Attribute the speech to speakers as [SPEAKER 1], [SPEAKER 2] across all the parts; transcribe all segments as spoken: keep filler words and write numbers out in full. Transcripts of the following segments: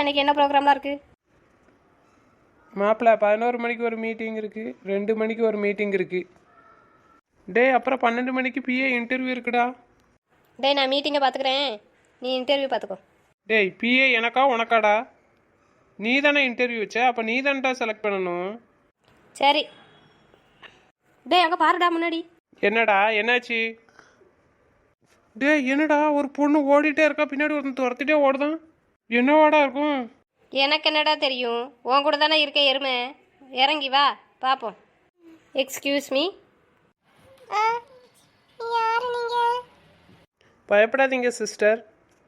[SPEAKER 1] இன்றைக்கி என்ன ப்ரோக்ராம்லாம் இருக்குது?
[SPEAKER 2] மாப்பிள்ள பதினோரு மணிக்கு ஒரு மீட்டிங் இருக்குது, ரெண்டு மணிக்கு ஒரு மீட்டிங் இருக்குது. டே அப்புறம் பன்னெண்டு மணிக்கு பிஏ இன்டர்வியூ இருக்குடா.
[SPEAKER 1] டே நான் மீட்டிங்கை பார்த்துக்கிறேன், நீ இன்டர்வியூ பார்த்துக்கோ.
[SPEAKER 2] டேய் பிஏ எனக்கா உனக்காடா? நீ தானே இன்டர்வியூ வச்ச, அப்போ நீ தான்டா செலக்ட் பண்ணணும்.
[SPEAKER 1] சரி. டே அங்கே பாருடா முன்னாடி.
[SPEAKER 2] என்னடா என்னாச்சு? டே என்னடா ஒரு பொண்ணு ஓடிட்டே இருக்கா, பின்னாடி ஒருத்தன் துரத்திட்டே ஓடுதான். என்னவாடா இருக்கும்?
[SPEAKER 1] எனக்கு என்னடா தெரியும், உன் கூட தானே இருக்கேன் எருமை. இறங்கி வா பார்ப்போம். Excuse me.
[SPEAKER 3] யாரு நீங்க?
[SPEAKER 2] பயப்படாதீங்க சிஸ்டர்,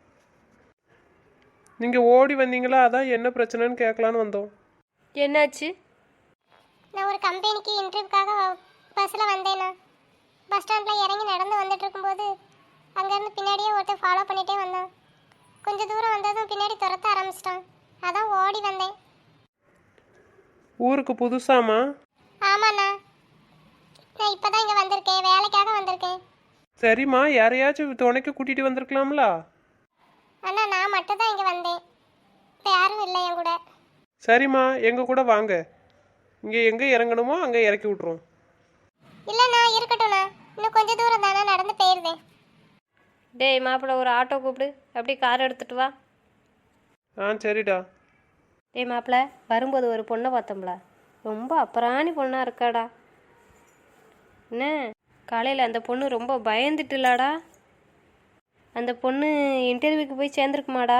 [SPEAKER 2] நீங்கள் ஓடி வந்தீங்களா, அதான் என்ன பிரச்சனைன்னு கேட்கலான்னு வந்தோம்.
[SPEAKER 1] என்னாச்சு?
[SPEAKER 3] நான் ஒரு கம்பெனிக்கு இன்டர்வியூக்காக பஸ்ஸில் வந்தேண்ணா. பஸ் ஸ்டாண்டில் இறங்கி நடந்து வந்துட்டு இருக்கும்போது அங்கேருந்து பின்னாடியே ஒருத்தர் ஃபாலோ பண்ணிகிட்டே வந்தான். கொஞ்சம் தூரம் வந்ததும் பின்னாடி துரத்த ஆரம்பிச்சிட்டான். அதான் ஓடி வந்தேன்.
[SPEAKER 2] ஊருக்கு புதுசாமா?
[SPEAKER 3] ஆமாண்ணா, நான் இப்போ தான் இங்கே வந்திருக்கேன், வேலைக்காக வந்திருக்கேன்.
[SPEAKER 2] சரிம்மா, யாரையாச்சும் துணைக்கு கூட்டிகிட்டு வந்திருக்கலாம்ல?
[SPEAKER 3] அண்ணா நான் மட்டும் தான் இங்கே வந்தேன், இப்போ யாரும் இல்லை என் கூட.
[SPEAKER 2] சரிம்மா, எங்கள் கூட வாங்க, இங்கே எங்கே இறங்கணுமோ அங்கே இறக்கி விட்ருவோம்.
[SPEAKER 3] இல்லைண்ணா இருக்கட்டும்ண்ணா, இன்னும் கொஞ்சம் தூரம் தானே நடந்து போயிருந்தேன்.
[SPEAKER 1] டேய் மாப்பிள்ள ஒரு ஆட்டோ கூப்பிடு, அப்படியே கார் எடுத்துகிட்டு வா.
[SPEAKER 2] ஆ சரிடா.
[SPEAKER 1] டேய் மாப்பிள்ள வரும்போது ஒரு பொண்ணை பார்த்தோம்ல, ரொம்ப அப்புறாணி பொண்ணாக இருக்காடா. என்ன காலையில் அந்த பொண்ணு ரொம்ப பயந்துட்டுலாடா. அந்த பொண்ணு இன்டர்வியூக்கு போய் சேர்ந்துருக்குமாடா?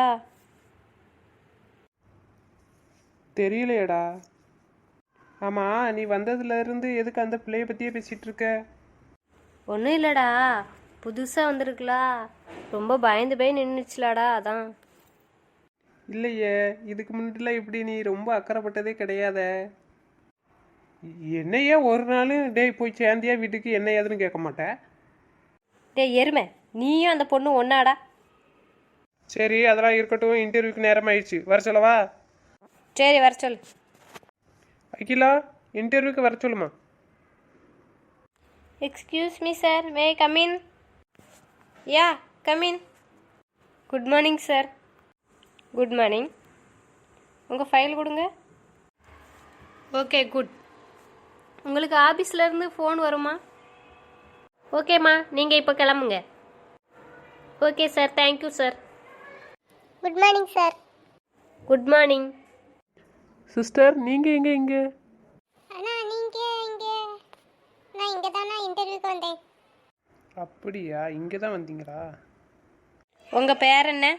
[SPEAKER 2] தெரியலையடா. ஆமாம், நீ வந்ததுலேருந்து எதுக்கு அந்த பிள்ளைய பற்றியே பேசிகிட்டு இருக்க?
[SPEAKER 1] ஒன்றும் இல்லைடா, புதுசாக வந்திருக்குலா, ரொம்ப பயந்து போய் நின்றுச்சுலாடா, அதான்.
[SPEAKER 2] இல்லையே, இதுக்கு முன்னாடிலாம் இப்படி நீ ரொம்ப அக்கறைப்பட்டதே கிடையாத. என்னையே ஒரு நாள் டேய் போய் சேர்ந்தியா வீட்டுக்கு என்ன ஏதுன்னு கேட்க மாட்டேன்.
[SPEAKER 1] டேய் எருமை, நீயும் அந்த பொண்ணு ஒன்னாடா.
[SPEAKER 2] சரி அதெல்லாம் இருக்கட்டும், இன்டர்வியூக்கு நேரம் ஆயிடுச்சு, வர சொல்லவா?
[SPEAKER 1] சரி வர சொல்லு.
[SPEAKER 2] அகிலா, இன்டர்வியூக்கு வர சொல்லுமா.
[SPEAKER 1] Excuse me sir, may come in? Ya come in. Good morning sir. Good morning. உங்கள் ஃபைல் கொடுங்க. Okay good. உங்களுக்கு ஆஃபீஸ்லேருந்து ஃபோன் வருமா? ஓகேம்மா, நீங்கள் இப்போ கிளம்புங்க. Okay sir, thank you sir.
[SPEAKER 3] Good morning sir.
[SPEAKER 1] Good morning.
[SPEAKER 2] Sister நீங்கள் எங்கே இங்கே?
[SPEAKER 3] அண்ணா நீங்கள் இங்கே? நான் இங்கே தானே இன்டர்வியூக்கு வந்தேன்.
[SPEAKER 2] அப்படியா, இங்கே தான் வந்தீங்களா?
[SPEAKER 1] உங்கள் பேர் என்ன?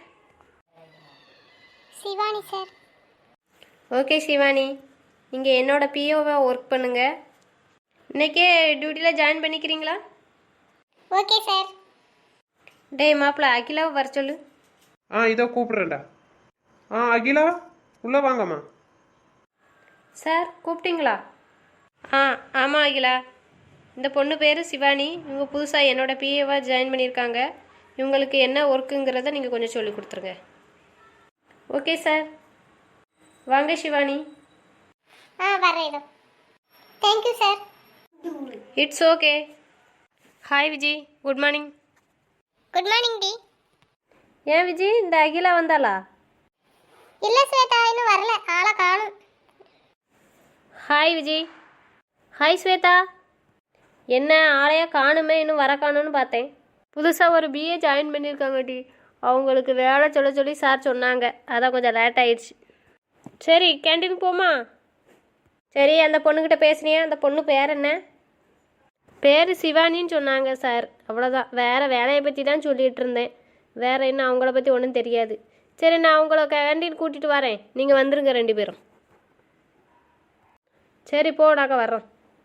[SPEAKER 3] சிவானி சார்.
[SPEAKER 1] ஓகே சிவானி, நீங்கள் என்னோட பிஓவாக ஒர்க் பண்ணுங்க. இன்றைக்கே டியூட்டியில் ஜாயின் பண்ணிக்கிறீங்களா?
[SPEAKER 3] Okay sir.
[SPEAKER 1] டேய் மாப்பிள்ள அகிலாவை வர சொல்லு.
[SPEAKER 2] ஆ இதோ கூப்பிட்றேன்டா. ஆ அகிலா உள்ளே வாங்கம்மா.
[SPEAKER 1] சார் கூப்பிட்டீங்களா? ஆ ஆமாம் அகிலா, இந்த பொண்ணு பேர் சிவானி, இவங்க புதுசாக என்னோட பிஏவாக ஜாயின் பண்ணியிருக்காங்க. இவங்களுக்கு என்ன ஒர்க்குங்கிறத நீங்கள் கொஞ்சம் சொல்லி கொடுத்துருங்க. ஓகே சார், வாங்க சிவானி.
[SPEAKER 3] ஆ வரேன் இதோ. Thank you sir.
[SPEAKER 1] It's okay. Hi Vijay, good morning.
[SPEAKER 3] Good morning டி.
[SPEAKER 1] ஏன் விஜய், இந்த அகிலா வந்தாளா?
[SPEAKER 3] இல்லை ஸ்வேதா, இன்னும் வரல, ஆளை காணும்.
[SPEAKER 1] ஹாய் விஜய். ஹாய் ஸ்வேதா. என்ன ஆளையா காணுமே, இன்னும் வர காணும்னு பார்த்தேன். புதுசாக ஒரு பிஏ ஜாயின் பண்ணியிருக்காங்க டி, அவங்களுக்கு வேலை சொல்ல சொல்லி சார் சொன்னாங்க, அதான் கொஞ்சம் லேட் ஆயிடுச்சு. சரி கேண்டீன் போமா? சரி, அந்த பொண்ணுக்கிட்ட பேசுனியா? அந்த பொண்ணு பேர் என்ன? பேர் சிவானின்னு சொன்னாங்க சார், அவ்வளோதான். வேறு வேலையை பற்றி தான் சொல்லிகிட்டு இருந்தேன், வேறு என்ன அவங்கள பற்றி ஒன்றும் தெரியாது. சரி நான் உங்களை கேண்டீன் கூட்டிகிட்டு வரேன், நீங்கள் வந்துருங்க ரெண்டு பேரும். சரி போ, நாங்கள் வர்றோம்.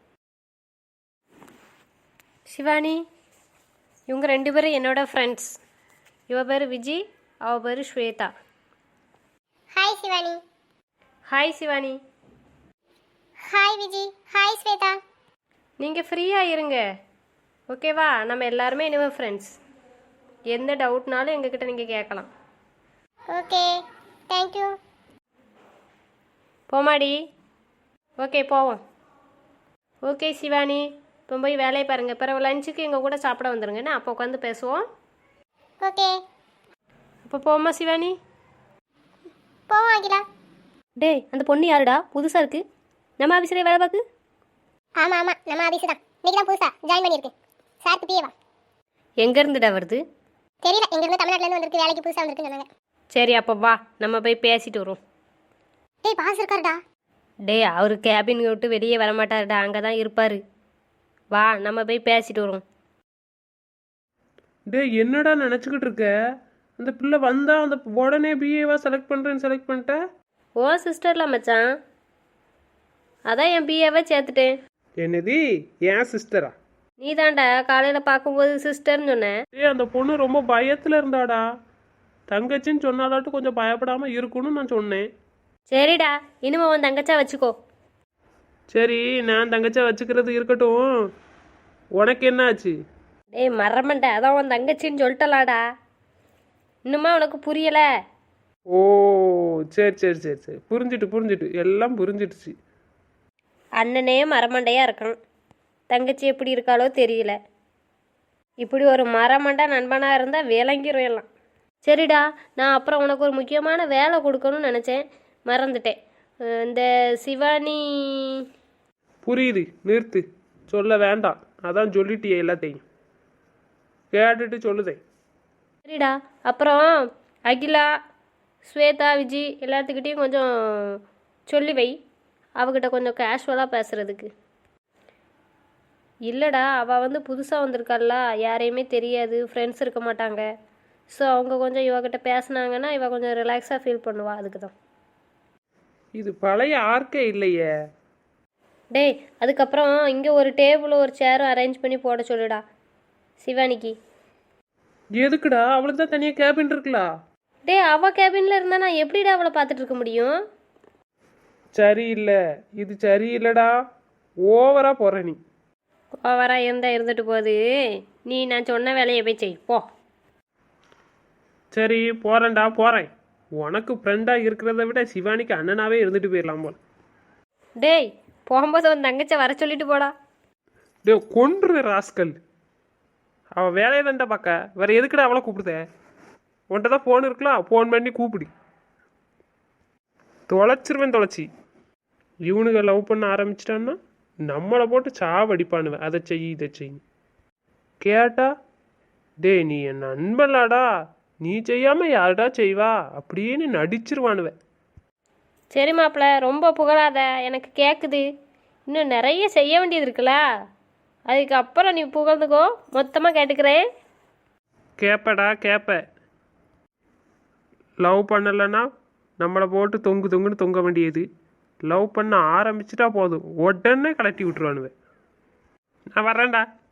[SPEAKER 1] சிவானி, இவங்க ரெண்டு பேரும் என்னோடய ஃப்ரெண்ட்ஸ். இவ பேர் விஜய், அவ பேர் Swetha.
[SPEAKER 3] Hi Shivani.
[SPEAKER 1] Hi Shivani.
[SPEAKER 3] Hi Vijay. Hi Swetha.
[SPEAKER 1] நீங்கள் ஃப்ரீயாக இருங்க, ஓகேவா? நம்ம எல்லாருமே இனிமேல் ஃப்ரெண்ட்ஸ். எந்த டவுட்னாலும் எங்ககிட்ட நீங்கள் கேட்கலாம்.
[SPEAKER 3] Okay thank you.
[SPEAKER 1] போமாடி. ஓகே போவோம். ஓகே சிவானி, இப்போ போய் வேலையை பாருங்கள். பிறகு லஞ்சுக்கு எங்கள் கூட சாப்பிட வந்துடுங்கண்ணா, அப்போ உட்காந்து பேசுவோம்.
[SPEAKER 3] ஓகே.
[SPEAKER 1] இப்போ போமா சிவானி?
[SPEAKER 3] போவோம் அகிலா.
[SPEAKER 1] டேய் அந்த பொண்ணு யாருடா புதுசாக இருக்கு, நம்ம ஆஃபீஸில் வேலை பார்க்கு?
[SPEAKER 3] ஆமாம் ஆமாம், நம்ம ஆஃபீஸ் தான். இன்னைக்கு தான் புதுசாக ஜாயின் பண்ணியிருக்கு. சாருக்கு பிஏவா?
[SPEAKER 1] எங்கேருந்துடா வருது?
[SPEAKER 3] தெரியல, எங்கேருந்து தமிழ்நாட்டிலேருந்து வந்திருக்கு, வேலைக்கு புதுசாக வந்திருக்குன்னு சொன்னாங்க.
[SPEAKER 1] சரி அப்போ வா நம்ம போய் பேசிட்டு வருவோம்.
[SPEAKER 3] டேய் பாஸ் இருக்காருடா.
[SPEAKER 1] டேய் அவர் கேபின் விட்டு வெளியே வரமாட்டாருடா, அங்கே தான் இருப்பார். வா நம்ம போய் பேசிட்டு வருவோம்.
[SPEAKER 2] டே என்னடா நினச்சிக்கிட்டு இருக்க? அந்த பிள்ளை வந்தா அந்த உடனே பிஏவா செலக்ட் பண்ணுறேன்னு செலக்ட் பண்ணிட்ட?
[SPEAKER 1] ஓ சிஸ்டர்ல மச்சான், அதான் என் பிஏவை சேர்த்துட்டேன்.
[SPEAKER 2] என்னது ஏன் சிஸ்டரா?
[SPEAKER 1] நீ தான்டா காலையில் பார்க்கும்போது சிஸ்டர்னு சொன்னேன்.
[SPEAKER 2] ஏ அந்த பொண்ணு ரொம்ப பயத்தில் இருந்தாடா, தங்கச்சின்னு சொன்னாலாட்டும் கொஞ்சம் பயப்படாமல் இருக்கணும்னு நான் சொன்னேன்.
[SPEAKER 1] சரிடா இனிமே உன் தங்கச்சா வச்சுக்கோ.
[SPEAKER 2] சரி நான் தங்கச்சா வச்சுக்கிறது இருக்கட்டும், உனக்கு என்ன ஆச்சு?
[SPEAKER 1] டேய் மறமண்ட, அதான் உன் தங்கச்சின்னு சொல்லிட்டலாடா, இன்னுமா உனக்கு புரியலை?
[SPEAKER 2] ஓ சரி சரி சரி சரி புரிஞ்சிட்டு புரிஞ்சிட்டு எல்லாம் புரிஞ்சிடுச்சு.
[SPEAKER 1] அண்ணனே மரமண்டையாக இருக்கணும், தங்கச்சி எப்படி இருக்காளோ தெரியல. இப்படி ஒரு மரமண்டை நண்பனாக இருந்தால் விளங்கிரும் எல்லாம். சரிடா, நான் அப்புறம் உனக்கு ஒரு முக்கியமான வேலை கொடுக்கணும்னு நினச்சேன், மறந்துட்டேன். அஹ் இந்த சிவானி.
[SPEAKER 2] புரியுது, நிறுத்து, சொல்ல வேண்டாம், அதான் சொல்லிட்டியே எல்லாத்தையும், கேட்டுட்டு சொல்லுதே.
[SPEAKER 1] சரிடா, அப்புறம் அகிலா, ஸ்வேதா, விஜி எல்லாத்துக்கிட்டேயும் கொஞ்சம் சொல்லி வை, அவகிட்ட கொஞ்சம் கேஷுவலாக பேசுகிறதுக்கு. இல்லைடா அவள் வந்து புதுசாக வந்திருக்காள்ல, யாரையுமே தெரியாது, ஃப்ரெண்ட்ஸ் இருக்க மாட்டாங்க. ஸோ அவங்க கொஞ்சம் இவகிட்ட பேசுனாங்கன்னா இவ கொஞ்சம் ரிலாக்ஸாக ஃபீல் பண்ணுவா, அதுக்கு தான்.
[SPEAKER 2] இது பழைய ஆர்க்கே இல்லையே.
[SPEAKER 1] டேய் அதுக்கப்புறம் இங்கே ஒரு டேபிளும் ஒரு சேரும் அரேஞ்ச் பண்ணி போட சொல்லுடா சிவானிக்கு.
[SPEAKER 2] எதுக்குடா? அவளுக்கு தான் தனியாக கேபின் இருக்குல்லா.
[SPEAKER 1] டேய் அவள் கேபினில் இருந்தால் நான் எப்படிடா அவளை பார்த்துட்டு இருக்க முடியும்?
[SPEAKER 2] சரியில்லை, இது சரியில்லைடா, ஓவரா போற நீ.
[SPEAKER 1] ஓவராக இருந்தால் இருந்துட்டு போகுது, நீ நான் சொன்ன வேலையை போய் செய் போ.
[SPEAKER 2] சரி போறேன்டா போறேன். உனக்கு ஃப்ரெண்டாக இருக்கிறத விட சிவானிக்கு அண்ணனாவே இருந்துட்டு போயிடலாம் போல.
[SPEAKER 1] டேய் போகும்போது உன் தங்கச்சை வர சொல்லிட்டு போடா.
[SPEAKER 2] டே கொன்று ராஸ்கல், அவள் வேலையை தான்டா பார்க்க, வேற எதுக்குடா அவளை கூப்பிடுத? உன்கிட்ட தான் ஃபோன் இருக்கலாம், ஃபோன் பண்ணி கூப்பிடு. தொலைச்சிருவேன் தொலைச்சி. இவனுங்க லவ் பண்ண ஆரம்பிச்சிட்டான்னா நம்மளை போட்டு சாவடிப்பானுவேன், அதை செய் இதை செய் கேட்டா. டே நீ என் நண்பன்லாடா, நீ செய்யாம யாருடா செய்வா அப்படின்னு நடிச்சிருவானுவேன்.
[SPEAKER 1] சரி மாப்பிள்ள ரொம்ப புகழாத, எனக்கு கேட்குது, இன்னும் நிறைய செய்ய வேண்டியது இருக்குல்ல, அதுக்கப்புறம் நீ புகழ்ந்துக்கோ, மொத்தமாக கேட்டுக்கிறேன்.
[SPEAKER 2] கேப்படா கேப்ப. லவ் பண்ணலைன்னா நம்மளை போட்டு தொங்கு தொங்குன்னு தொங்க வேண்டியது, லவ் பண்ண ஆரம்பிச்சிட்டா போதும் உடனே கலட்டி விட்டுருவானுவேன். நான் வரேன்டா.